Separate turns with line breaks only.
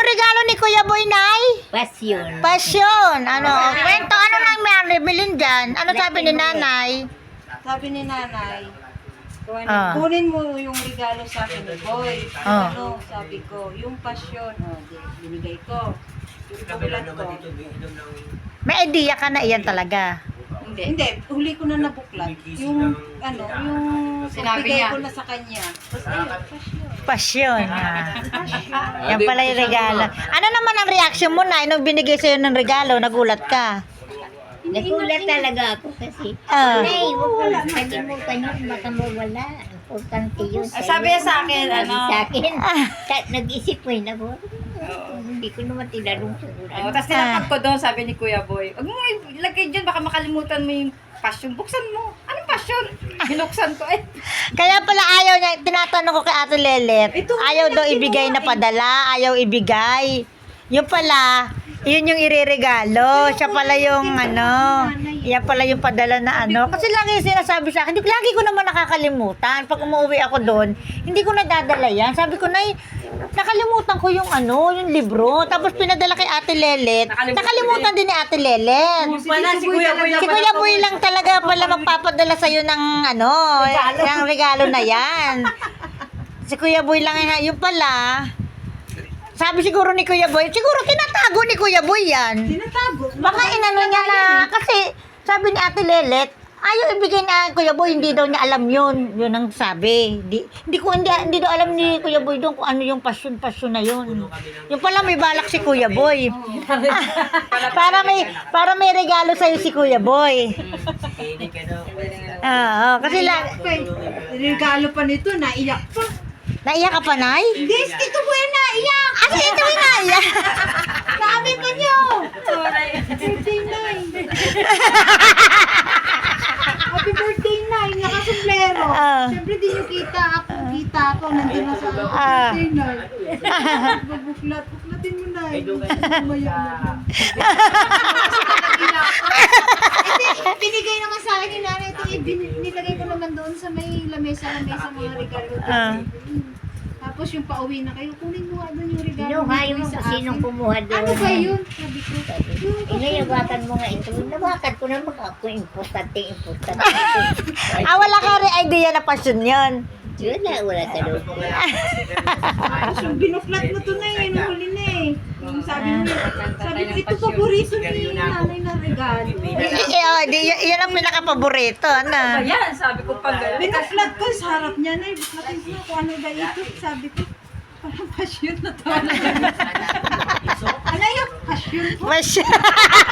regalo ni Kuya Boy, Nay?
Pasyon.
Pasyon. Ano? Kwento, ano nang may bilin dyan? Ano sabi ni Nanay?
Sabi ni Nanay,
Kunin
mo yung regalo sa akin ni Boy.
Ah.
Ano, sabi ko, yung pasyon, binigay ko. Yung kabilat ko.
May idea ka na iyan talaga.
Hindi, huli ko na nabuklat. Yung, yung
Sinabi
bigay
niya.
ko na sa kanya. Tapos ayun, pasyon.
Pasyon. Yan pala yung regalo. Ano naman ang reaction mo, Nay, nung binigay sa'yo ng regalo? Nagulat ka?
Nagulat talaga ako kasi.
Ah.
Nay, huwag mo lang kalimutan yun. Baka mawala. Importante yun.
Sabi niya sa akin,
Sabi
ano?
sa akin. Nag-isip ko yun ako. Hindi ko naman tinanong siguro.
Tapos tinapag ko doon, sabi ni Kuya Boy, huwag mo ilagay dyan, baka makalimutan mo yung passion. Buksan mo. Anong passion? Binuksan ko eh.
Kaya pala ayaw niya, tinatanong ko kay Ate Lelet, ayaw daw ibigay na padala, ayaw ibigay. Yung pala, yun yung ireregalo. Siya pala yung yan pala yung padala na ano. Kasi lagi sinasabi sa akin, lagi ko naman nakakalimutan. Pag umuwi ako doon, hindi ko nadadala yan. Sabi ko, Nay, nakalimutan ko yung yung libro. Tapos pinadala kay Ate Lelet. Nakalimutan din ni Ate Lelet.
Si Kuya Boy
Si Kuya Boy lang talaga pala magpapadala sa'yo ng yung regalo na yan. Si Kuya Boy lang yung pala. Sabi siguro ni Kuya Boy, siguro tinatago ni Kuya Boy yan.
Tinatago.
Baka inano niya na, kasi sabi ni Ate Lelet, ayaw ibigay na Kuya Boy, hindi daw niya alam yun. Yun ang sabi. Hindi daw alam ni Kuya Boy doon kung ano yung passion na yun. Yung pala may balak si Kuya Boy. para may regalo sa'yo si Kuya Boy. Kasi
Regalo pa nito, naiyak pa.
naiyak ka pa, Nay?
Hindi, ito po yung naiyak.
Kasi ito yung naiyak.
Sabi ko nyo. Birthday night. Happy birthday night, nakasumplero. Siyempre di nyo kita ako, nandun na sa birthday night. Buklatin mo na. Umaya na. Binigay naman sa akin ni Nanay ito, nilagay ko naman doon sa may lamesa mga regalo. Tapos yung pauwi na kayo, kunin mo nga doon yung regalo.
Kinuha yung
sa akin.
sinong kumuha doon.
Ano ba yun? Sabi ko.
Inayawakan mo nga ito. Nawakan ko naman ako. Importante.
Wala ka rin idea na passion yun.
Wala talaga.
Tapos yung binuklat mo to na yun, huli na eh. Yung sabi ko, ito paborito ni Nanay na regalo.
Yan ang pinaka-paborito, ano?
Ayan, sabi ko pag
Binuklat ko sa harap niya na, buklatin ko kung ano ba ito. Sabi ko, parang passion na to. Ano yung passion ko?
Passion.